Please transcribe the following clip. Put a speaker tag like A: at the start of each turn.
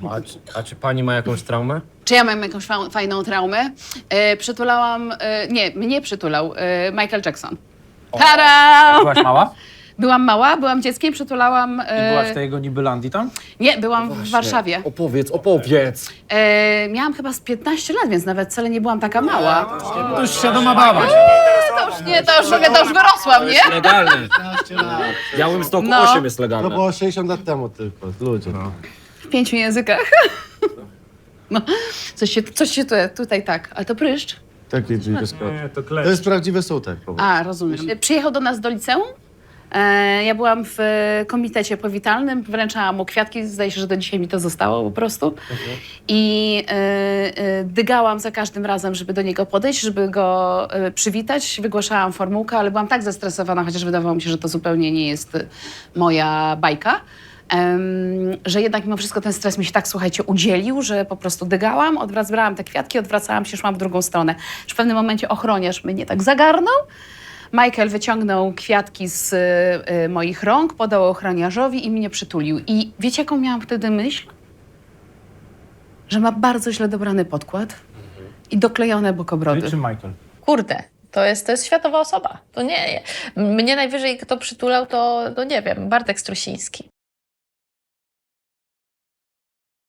A: A czy pani ma jakąś traumę?
B: Czy ja mam jakąś fajną traumę? Przytulałam... nie, mnie przytulał Michael Jackson. Tada!
C: Byłaś mała?
B: Byłam mała, byłam dzieckiem, przytulałam...
C: I byłaś w tej jego Nibylandii tam?
B: Nie, byłam w Warszawie.
A: Opowiedz.
B: Miałam chyba z 15 lat, więc nawet wcale nie byłam taka mała.
A: To już świadoma baba.
B: To już wyrosłam, nie?
A: Legalne. W Białymstoku
B: No.
A: 8 jest
D: No
A: legalne.
D: było 60 lat temu tylko, ludzie.
B: W 5 językach. No, coś się tutaj tak. Ale to pryszcz?
D: Taki dźwig
C: Nie, to
D: To jest prawdziwy sutek. po prostu.
B: A, rozumiem. Przyjechał do nas do liceum. Ja byłam w komitecie powitalnym, wręczałam mu kwiatki, zdaje się, że do dzisiaj mi to zostało po prostu. I dygałam za każdym razem, żeby do niego podejść, żeby go przywitać. Wygłaszałam formułkę, ale byłam tak zestresowana, chociaż wydawało mi się, że to zupełnie nie jest moja bajka. Że jednak mimo wszystko ten stres mi się tak, słuchajcie, udzielił, że po prostu dygałam, brałam te kwiatki, odwracałam się, szłam w drugą stronę. W pewnym momencie ochroniarz mnie tak zagarnął. Michael wyciągnął kwiatki z moich rąk, podał ochroniarzowi i mnie przytulił. I wiecie, jaką miałam wtedy myśl? Że ma bardzo źle dobrany podkład i doklejone bokobrody.
C: Ty czy Michael?
E: Kurde, to jest światowa osoba. To nie. Mnie najwyżej kto przytulał, to nie wiem, Bartek Strusiński.